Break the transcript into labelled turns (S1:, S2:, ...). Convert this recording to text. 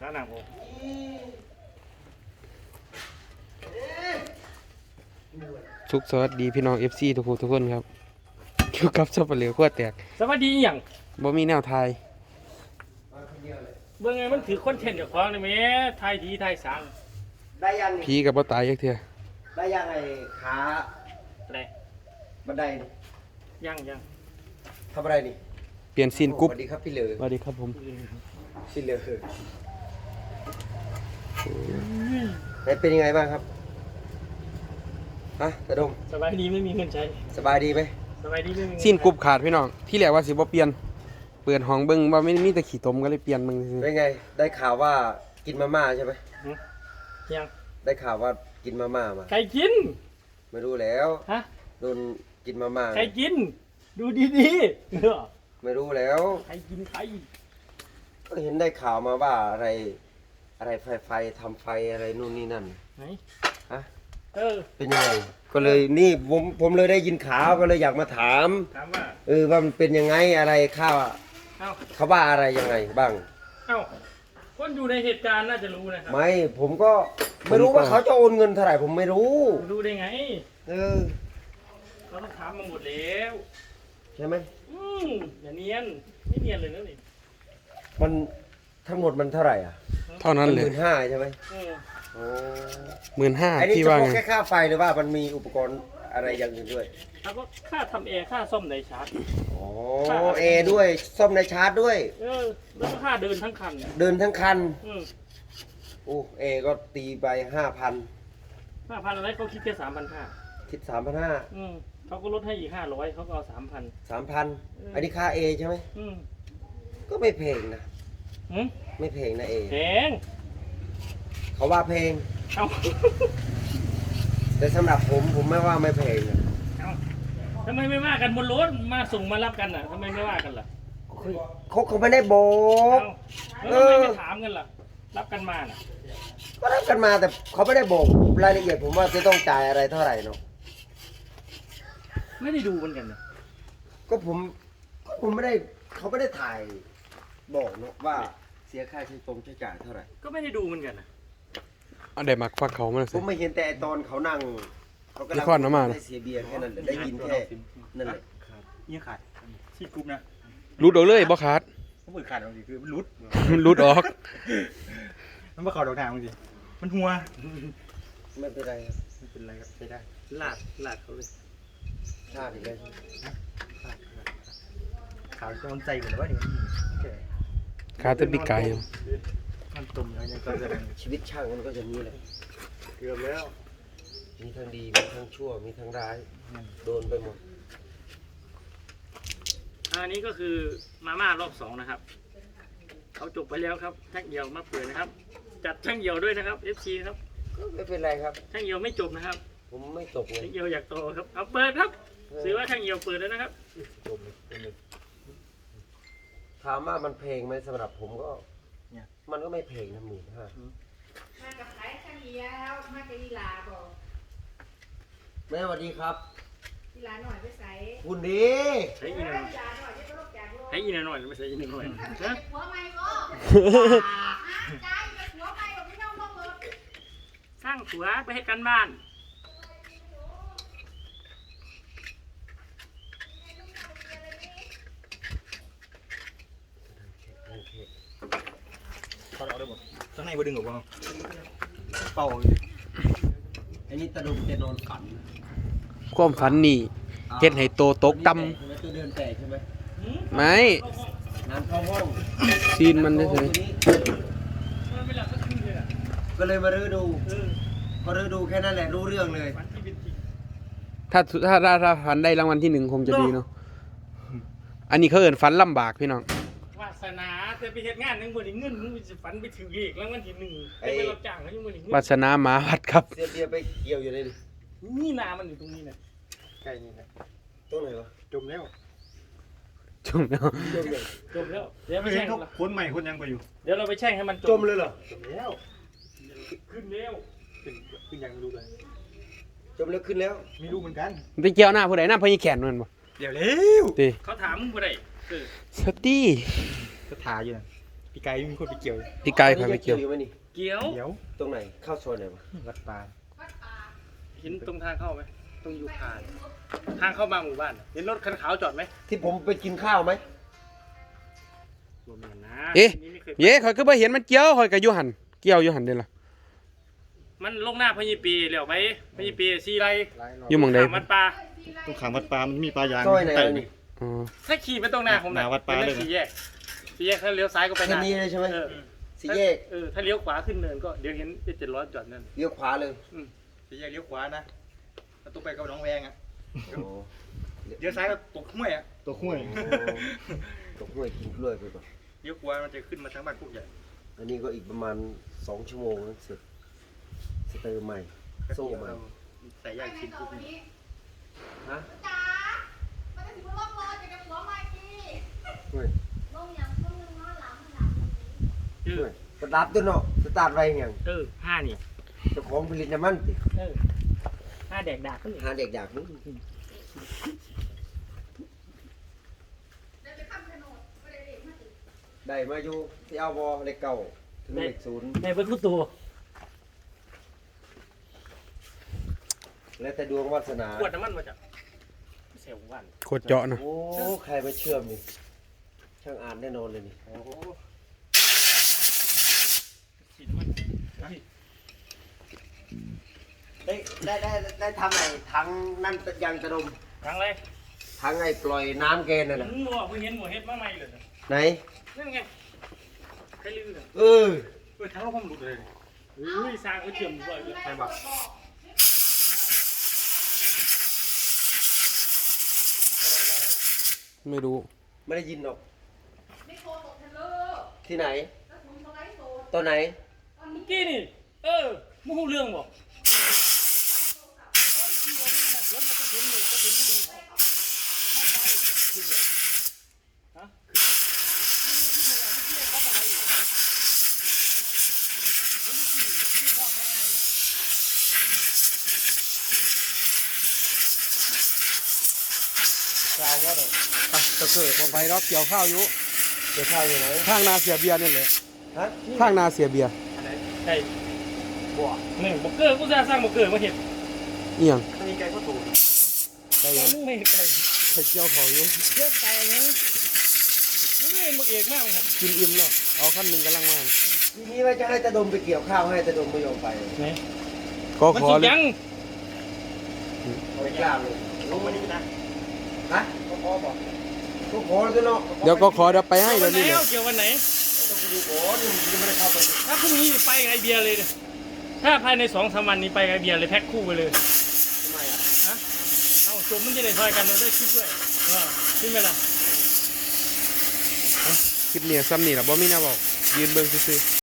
S1: ขาหนังผม
S2: สุขสวัสดีพี่น้อง FC ทุกคนครับอยู่กับซับเปลือกขั้วแตก
S1: สวัสดีอย่าง
S2: บ่มีแนวทาย
S1: เมื่อไงมันถือคอนเทนต์กับของเลยแม่ไทยดีไทยสัง
S3: ได้ยัง
S2: ผีกับบ่ตายจักเทื่อ
S3: ได้ยังไอ้ขา
S1: อะไร
S3: บันไดนี่
S1: ยัง
S3: ทำอะไรนี่
S2: เปลี่ยนซีนกรุ๊ป
S3: สวัสดีครับพี่เหลือ
S2: สวัสดีครับผม
S3: พี่เหลือไหนเป็นยังไงบ้างครับฮะตะดม
S1: สบายดีไม่มีเงินใช้
S3: สบายดีไหม
S1: สบายดีไม่มีเงิน
S2: ซีนกรุ๊ปขาดพี่น้องที่แรกว่าสิบ่เปลี่ยนเปิดห้องเบิ่งว่าไม่มีแต่ขี้ตมก็เลยเปลี่ยนมึงซื่อ
S3: เป็นไงได้ข่าวว่ากินมาม่าใช่ไหม
S1: ยัง
S3: ได้ข่าวว่ากินมาม่ามา
S1: ใครกิน
S3: ไม่รู้แล้ว
S1: ฮะ
S3: โดนกินมาม่า
S1: ใครกินดูดีๆ
S3: ไม่รู้แล้ว
S1: ใครกินใคร
S3: ก็เห็นได้ข่าวมาว่าอะไรไฟทำไฟอะไรนู่นนี่นั่น
S1: ไหน
S3: ฮะ
S1: เป็น
S3: ยังไงก็เลยนี่ผมเลยได้ยินข่าวก็เลยอยากมาถาม
S1: ถามว่า
S3: ว่ามันเป็นยังไงอะไรข้าว
S1: เอ้า
S3: เขาว่าอะไรยังไงบ้าง
S1: เอ้าคนอยู่ในเหตุการณ์น่าจะรู้นะครับ
S3: ไม่ผมก็ไม่รู้ว่าเขาจะโอนเงินเท่าไหร่ผมไม่รู้
S1: รู้ได้ไง
S3: อ
S1: เราต้องถามมาหมดแล้ว
S3: ใช่ไหม
S1: อย่าเนียนไม่เนียนเลยนะนี่
S3: มันทั้งหมดมันเท่าไหร่อ่ะ
S2: ๆเท่านั้นเลย
S3: 15,000ใช่ไหม
S1: อืม
S3: ไอ้นี่
S2: 15,000พี่
S3: เฉ
S2: ว่า
S3: พาะ
S2: ไง
S3: แค่ค่าไฟหรือว่ามันมีอุปกรณ์อะไรอย่างอื่นด้วย
S1: แล้วก็ค่าทำแอร์ค่าซ่อมในชาร์จ
S3: อ๋อเอด้วยซ่อมในชาร์จด้วย
S1: แล้วก็ค่าเดินทั้งคัน
S3: เดินทั้งคัน
S1: อืม
S3: โอ้เอก็ตีไป5,000
S1: 5,000อะไรเขาคิดแค่3,500
S3: คิด3,500
S1: เขาก็ลดให้อีก500เขาก็เอา3,000
S3: 3,000อันนี้ค่าเอใช่ไหม
S1: อืม
S3: ก็ไม่แพงนะ
S1: หืม
S3: ไม่แพงนะเอ
S1: แพง
S3: เขาว่าแพง
S1: เอา
S3: แต่สำหรับผมไม่ว่าไม่แพงนะ
S1: เอาทำไมไม่ว่ากันบนรถมาส่งมารับกันน่ะทำไมไม่ว่ากันล่ะ
S3: เขาไม่ได้บอก
S1: เอาแล้วทำไมไม่ถามกันล่ะ รับกันมาน่ะ
S3: ก็รับกันมาแต่เขาไม่ได้บอกรายละเอียดผมว่าจะต้องจ่ายอะไรเท่าไหร่เนาะ
S1: ไม่ได้ดูเหมือนกันนะ
S3: ก็ผมไม่ได้เขาไม่ได้ถ่ายบอกเนาะว่าเสียค่าใช้จ่ายเท่าไหร่
S1: ก็ไม่ได้ดูเหมือนกันนะ
S2: เอาได้มักฟักเขามา
S3: ผ
S2: สิ
S3: มไม่เห็นแต่ตอนเขานั่งเขากำลั
S2: มีข้อน้ำมัน
S3: ได้เสียเบียร์แค่นั้นแหละได้ยินแค่นั่นแหละ
S4: ยังขาดชีดกรุ๊ปนะ
S2: รุดออกเลยบ่ขาด
S4: มันเปิดขาดบางทีคือมันรุด
S2: รุดออก
S4: มันมาเข่าดอกทางบางทีมันหัว
S3: ไม่เป็นไรครับ
S4: ไม่เป็นไรครับใช้ได้
S1: ลาดเขาเลย
S3: พลาดอีกแล้ว
S4: ขาวจะมันใจเหมือนว่านี่โอเค
S2: ขาดแตะปีกไก่อยู่
S4: มันตุ่มแล้วยังก็จะ
S3: ชีวิตช่างมันก็จะมีแหละ
S4: เกือบแล้ว
S3: มีทั้งดีมีทั้งชั่วมีทั้งร้ายโดนไปหมด
S1: อันนี้ก็คือมาม่ารอบ2นะครับเขาจบไปแล้วครับแท่งเหี่ยวมาเปิดนะครับ จัดแท่งเหี่ยวด้วยนะครับ FC ครับ
S3: ก็ไม่เป็นไรครับ
S1: แท่งเหี่ยวไม่จบนะครับ
S3: ผมไม่ตกเล
S1: แท่
S3: ย
S1: งเหี่ยวอยากโตครับเอาเปิดครับถือว่าแท่งเหี่ยวเปิดแล้วนะครับ
S4: จมเลย
S3: ถามว่ามันเพลงไหมสำหรับผมก็มันก็ไม่เพลงนะ15,000
S5: มากับไผ่ข้าวเหนียวมากับอีหลาบอก
S3: แม่สวัสดีครับ
S5: อีหลาหน่อยไปใส่
S3: คุณดี
S1: ใช้
S5: อี
S1: อีนหน่อย
S5: หลาหน่อยจะต้องลกจากโลก
S1: ใช้อีนหน่อยไม่ใช่อีนหน่อยนะ
S5: หัวไม่ก็ใจจะหัวไม่ก็ไม่ต้องลงรถ
S1: สร้างผัวไปให้กันบ้าน
S4: ถอดออกได้หมดข้างในบ่ดึงออกบ้างเป่า
S3: อันนี้ตะลุมจะนอนฝัน
S2: ความฝันนี่เฮ็ดให้โตตกต่ำ
S3: ใช่ไหมตัวเดินแตกใช่ไหม
S2: ไม่
S3: น้ำเข้าห้อง
S2: ซีนมันเฉย
S1: มันไม่หลับสักคืนเลยอ่ะ
S3: ก็เลยมารื้อดูพอรื้อดูแค่นั้นแหละรู้เรื่องเลย
S1: ฝันที่เป็นจริง
S2: ถ้าฝันได้รางวัลที่1คงจะดีเนาะอันนี้เขาเอิ้นฝันลำบากพี่น้อง
S1: วาสนาแต่ไปเฮ็ดงานนึงบ่ได้เงินมึงสิฝันไปถึงอีกรางวัลที่1ไปรับจ้างเขายังบ่ได้เงิน
S2: วาสนาหมาวัดครับ
S3: เสียเบียร์ไปเกี่ยวอยู่เลยดิ
S1: นี่นามันอยู่ตรงนี้นะ
S4: ใกล้นี่นะ
S3: ตรงไหนวะ
S4: จมแล้ว
S2: จุ่มเนาะ
S3: จมเลย
S1: จบแล้วเดี๋ยวไป
S4: ไม่เห็
S1: แช่
S4: น
S1: ง
S4: เขาคนใหม่คนยังไปอยู่
S1: เดี๋ยวเราไปแช่งให้มัน
S3: จมเลยเหรอ
S4: จมแล้ว
S1: ขึ้นเร็ว
S4: ขึ้นยังไม่รู้เลย
S3: จมแล้วขึ้นแล้ว
S4: ไม่รู้เหมือนกัน
S2: ไปเกี่ยวหน้าผู้ใดหน้าพญแขนมันบ่
S4: เดี๋ยวเร็ว
S2: ติ
S1: เขาถามมึงบ่ได้
S2: สตี
S4: ก็ถ่ายอยู่นะปีกายมีคนไปเกี่ยว
S2: พี่กายพาไปเกี่ยว
S3: อยู่ไหมนี่
S1: เกี่ยว
S4: เดี๋ยว
S3: ตรงไหนเข้าโซนไหนวะ
S4: วัดปลา
S1: เห็นตรงทางเข้าไหมตรงยูคานทางเข้ามาหมู่บ้านเห็นรถคันขาวจอดไหม
S3: ที่ผมไปกินข้าวไหม
S1: รวมกันนะ
S2: เอ๊ะ
S1: นี่ไม่เคย
S2: เย้ข่อยก็บ่เห็นมันเกี่ยวข่อยก็อยู่หั่นเกี่ยวอยู่หั่นเด้อล่ะ
S1: มันลงหน้าพญปีเหลียวไปพญปีซีไร
S2: อยู่หม่องใด
S1: ข้ามวัดป่า
S4: ตรงขางวัดปลามันมีปลายาง
S3: ซอยไหน
S4: ไต่
S3: วะ
S4: นี่
S3: นี่
S2: อ๋อ
S1: ถ้าขี่ไปตรงหน้าผม
S4: หน้าวัดป่าเลย
S1: สี่แยกถ้าเลี้ยวซ้ายก็ไป
S3: แค่นี้เลยใช่ไหม
S1: เออ
S3: สี่แยก
S1: ถ้าเลี้ยวขวาขึ้นเนินก็เดี๋ยวเห็น700จอดนั่น
S3: เลี้ยวขวาเลย
S4: สี่แยกเลี้ยวขวานะแล้วต้องไปกับน้องแวงอ่ะ
S3: โอ้
S4: เลี้ยวซ้ายก็ตกห้วยอ่ะตกห้วย
S3: ตกห้วยกินกล้วยไปก่อน
S4: เลี้ยวขวามันจะขึ้นมาทางบ้านพวกใหญ่
S3: อันนี้ก็อีกประมาณ2 ชั่วโมงนะเสร็จสเตอร์ใหม่โซ่ใหม่
S4: ใส่ยางชิ้นพวกนี้
S3: ฮะ
S5: จ๋ามันจะถึงลงรถจะกับหัวมากี้
S3: เฮ้ย
S5: ลงอย่างลงนึงนอนหลัง
S1: เออ
S3: เฮ้ยสตาร์ทตัวเนาะสตาร์ทไว้ยัง
S1: ห้านี่
S3: เจ้าของผลิตน้ำมันติ
S1: ห้าแดกดากขึ้น
S3: หาเด็กอยากนี่
S5: เดี๋ยวไปข้ามถนนไม่ได้เด็กมาติด
S3: ได้มาอยู่ที่เอาวอเลขเก่าถึงเลขศูนย์
S1: ในเบิ้ลผู้ตัว
S3: แล้วแต่ดวงวาสนา
S1: ขวดน้ำมันมาจากเซลล์วัน
S2: โคตรเจาะนะ
S3: โอ้ใครมาเชื่อมนี่ช่างอ่านแน่นอนเลยนี่
S1: โอ้โหฉีดมัน
S3: ได้ทำไอ้ถังนั่นยางกระดม
S1: ทางไร
S3: ถังไอ้ปล่อยน้ำแกนน่ะนะ
S1: มึงบอกมึงเห็นหมวเฮ็ดมาใหม่เลยนะ
S3: ไหน
S1: นั่นไงใครลืมเนี่ย
S3: เออ
S1: ทางเราผมหลุดเลยเฮ้ยสร้างก็เชื่อมด้วยเลยใครบอก
S2: ไม่รู้
S3: ไม่ได้ยินหรอก
S5: ไม่โทรตกทะเล
S3: ที่ไหน
S5: แล้วผมสไลด์โซน
S3: ตอนไหน
S1: เมื่อกี้นี่มึงรู้เรื่องบอกกล่าวว่าเด้อ
S2: ไปตะเกิดบ่ไปรอบเกี่ยวข้าวอยู่
S3: เดี๋ยวข้าวอยู่ไหน
S2: ข้างนาเสียเบียร์นี่แหละ
S3: ฮะ
S2: ข้างนาเสียเบียร์
S1: ใช่บ่นี่บอกเกอร์กูจะสร้างบอกเกอร์มาเห็น
S2: อีหยัง
S3: มีไก่ก็ถูก
S2: ไปหยัง
S1: มึงไม่เห็นใคร
S2: ไปเกี่ยวเขาอยู่
S1: เยอะไปนะมึงไม่เห็นบอกเอกมากเลยครับ
S2: กินอิ่มแล้วเอาขั้นหนึงกำลังมา
S3: ทีนี้ว่าจะให้ตะดมไปเกี่ยวข้าวให้ตะดมไม่ยอมไป
S1: ไหน
S2: ก็
S1: มัน
S2: ขอ
S1: สุก
S2: เลย
S1: ยัง
S3: เอาไปกล้าเลย
S4: ลงมานี่นะ
S3: ฮะ
S4: ก็พอบอก
S3: ก็ขอแล้วเนาะ
S2: เดี๋ยวก็ขอเดี๋ยวไปให้
S1: วั
S2: เดี๋ย
S1: น
S2: ว
S1: ไหน
S2: นี้เลย
S1: เอาเกี่ยววันไหน
S3: ต้องไปดูก่อนยังไม่ได้เข้าไปดู
S1: ถ้าพรุ่งนี้ไปกับไอเบียร์เลยเนี่ยถ้าภายใน2-3 วันนี้ไปกับไอเบียร์เลยแพ็คคู่ไปเลย
S3: ทำไมอ่ะ
S1: ฮะเอาจบมันจะได้ซอยกันเราได้คลิปด้วยคิดไหมล่ะ
S2: คลิปนี้ซ้ำนี่ล่ะบ่มีแนวบอกยืนเบิ่งซื่อๆ